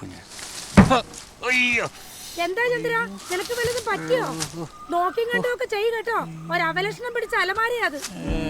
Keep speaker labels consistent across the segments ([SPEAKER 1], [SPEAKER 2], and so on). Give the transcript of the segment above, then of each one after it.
[SPEAKER 1] എന്താ ചന്ദ്ര, നിനക്ക് വല്ലതും പറ്റിയോ? നോക്കിയും കണ്ടൊക്കെ ചെയ്യും കേട്ടോ. ഒരവലക്ഷണം പിടിച്ച അലമാരിയാ അത്.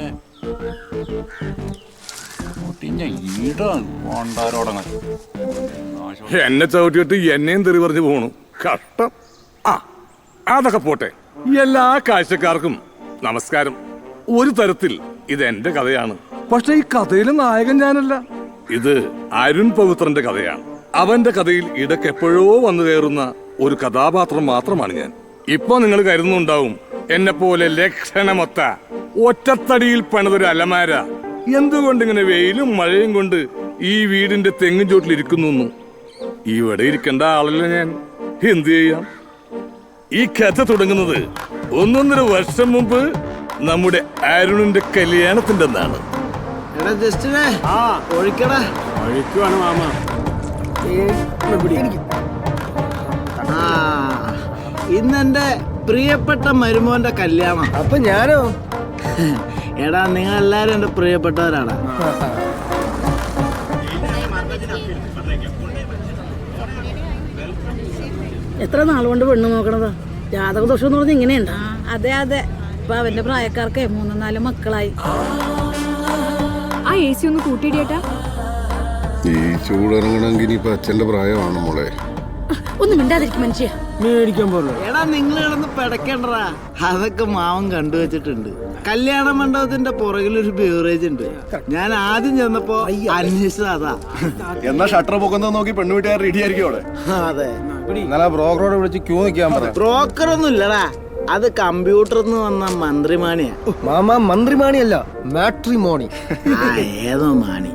[SPEAKER 2] എന്നെ ചവിട്ടിയിട്ട് എന്നെയും തെറി പറഞ്ഞു പോണു. കഷ്ടം. അതൊക്കെ പോട്ടെ. എല്ലാ കാഴ്ചക്കാർക്കും നമസ്കാരം. ഒരു തരത്തിൽ ഇത് എന്റെ കഥയാണ്. പക്ഷെ ഈ കഥയിലെ നായകൻ ഞാനല്ല. ഇത് അരുൺ പവിത്രന്റെ കഥയാണ്. അവന്റെ കഥയിൽ ഇടയ്ക്ക് എപ്പോഴോ വന്നു കയറുന്ന ഒരു കഥാപാത്രം മാത്രമാണ് ഞാൻ. ഇപ്പൊ നിങ്ങൾ കരുതുന്നുണ്ടാവും എന്നെ പോലെ ലക്ഷണമൊത്ത ഒറ്റത്തടിയിൽ പണിതൊരു അലമാര എന്തുകൊണ്ടിങ്ങനെ വെയിലും മഴയും കൊണ്ട് ഈ വീടിന്റെ തെങ്ങിൻ ചോട്ടിലിരിക്കുന്നു. ഇവിടെ ഇരിക്കേണ്ട ആളല്ല ഞാൻ. എന്തു ചെയ്യാം? ഈ കഥ തുടങ്ങുന്നത് 1.5 വർഷം മുമ്പ് നമ്മുടെ അരുണിന്റെ കല്യാണത്തിന്റെ അന്നാണ്.
[SPEAKER 3] ഇന്നെന്റെ പ്രിയപ്പെട്ട മരുമോന്റെ കല്യാണം.
[SPEAKER 4] അപ്പൊ ഞാനോ?
[SPEAKER 3] എടാ, നിങ്ങൾ എല്ലാരും എന്റെ പ്രിയപ്പെട്ടവരാണ്.
[SPEAKER 1] എത്ര നാളുകൊണ്ട് പെണ്ണ് നോക്കണതാ? ജാതകദോഷം എന്ന് പറഞ്ഞ ഇങ്ങനെയുണ്ടാ? അതെ അതെ. ഇപ്പൊ അവന്റെ പ്രായക്കാർക്ക് 3-4 മക്കളായി.
[SPEAKER 5] ആ AC ഒന്ന് കൂട്ടിയിടിയേട്ടാ.
[SPEAKER 6] ഈ ചൂടിറങ്ങണമെങ്കിൽ ഇപ്പൊ അച്ഛന്റെ പ്രായമാണ് മോളെ.
[SPEAKER 1] ഒന്നും മിണ്ടാതിരിക്കും മനുഷ്യ.
[SPEAKER 4] മേടിക്കാൻ പോലെ.
[SPEAKER 3] എടാ, നിങ്ങൾ കിടന്ന് പിടക്കണ്ടടാ. അതൊക്കെ മാവൻ കണ്ടുവച്ചിട്ടുണ്ട്. കല്യാണ മണ്ഡപത്തിന്റെ പുറകിലൊരു ബീവറേജ് ഉണ്ട്. ഞാൻ ആദ്യം ചെന്നപ്പോ അന്വേഷിച്ചത് അതാ.
[SPEAKER 6] എന്നാ ഷട്ടർ പൊക്കുന്നത് നോക്കി പെണ്ണുവീട്ടുകാർ റെഡി ആയിരിക്കും അവിടെ.
[SPEAKER 3] അതെ,
[SPEAKER 4] ഇന്നലെ ബ്രോക്കറോട് വിളിച്ച് ക്യൂ നിൽക്കാൻ പറയാം.
[SPEAKER 3] ബ്രോക്കർ ഒന്നും ഇല്ലടാ, അത് കമ്പ്യൂട്ടറിൽ നിന്ന് വന്ന മന്ത്രിമാണിയാ.
[SPEAKER 4] Mama മന്ത്രിമാണിയല്ല, matrimony.
[SPEAKER 3] ഏതോ മാണി.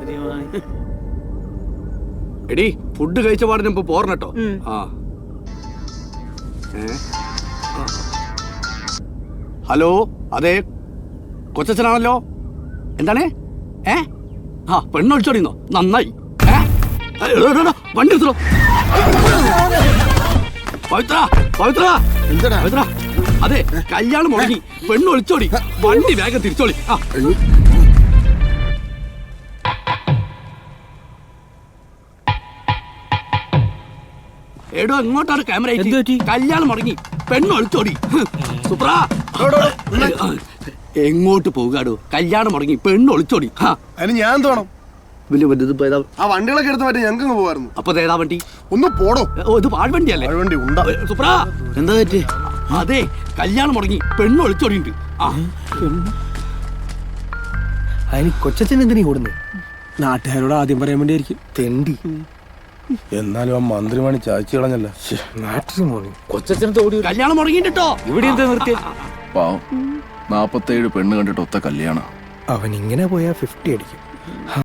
[SPEAKER 7] എടി, ഫുഡ് കഴിച്ച പാടിന് ഇപ്പൊ പോർണട്ടോ. ഹലോ, അതെ, കൊച്ചനാണല്ലോ. എന്താണ്? പെണ്ണൊളിച്ചോടിന്നോ? നന്നായി. വണ്ടി എടുത്തോ. പവിത്ര, പവിത്ര, പവിത്ര, അതെ, കല്യാണം മുടങ്ങി, പെണ്ണൊളിച്ചോടി. വണ്ടി വേഗം തിരിച്ചോളി. എടോ, എങ്ങോട്ടാണ് ക്യാമറ? കല്യാണം മുടങ്ങി, പെണ്ണൊളിച്ചോടി. സുപ്രാ, എങ്ങോട്ട് പോകാടോ? കല്യാണം മുടങ്ങി, പെണ്ണൊളിച്ചോടി.
[SPEAKER 6] അതിന് ഞാൻ തോണം ആ വണ്ടികളൊക്കെ എടുത്ത് മാറ്റി ഞങ്ങൾക്ക് പോകായിരുന്നു.
[SPEAKER 7] അപ്പൊ ഏതാ വണ്ടി?
[SPEAKER 6] ഒന്ന് പോടോ.
[SPEAKER 7] ഇത് പാഴ്വണ്ടിയല്ലേ?
[SPEAKER 6] വണ്ടി ഉണ്ടാ.
[SPEAKER 7] സുപ്രാ,
[SPEAKER 3] എന്താ പറ്റി?
[SPEAKER 7] അതെ, കല്യാണം മുടങ്ങി, പെണ്ണൊളിച്ചോടിണ്ട്.
[SPEAKER 4] അതിന് കൊച്ചച്ഛൻ എന്തിനീ കൂടുന്നു? നാട്ടുകാരോട് ആദ്യം പറയാൻ വേണ്ടിയായിരിക്കും. തെണ്ടി. എന്നാലും ആ മന്ത്രിമാണി ചായച്ചു കളഞ്ഞല്ല. മാട്രിമോണി.
[SPEAKER 7] കല്യാണം മുടങ്ങിട്ടോ.
[SPEAKER 4] ഇവിടെ എന്താ നിർത്തിയ?
[SPEAKER 6] പാവം, 47 പെണ്ണ് കണ്ടിട്ട് ഒത്ത കല്യാണം.
[SPEAKER 4] അവൻ ഇങ്ങനെ പോയാ 50 അടിക്കും.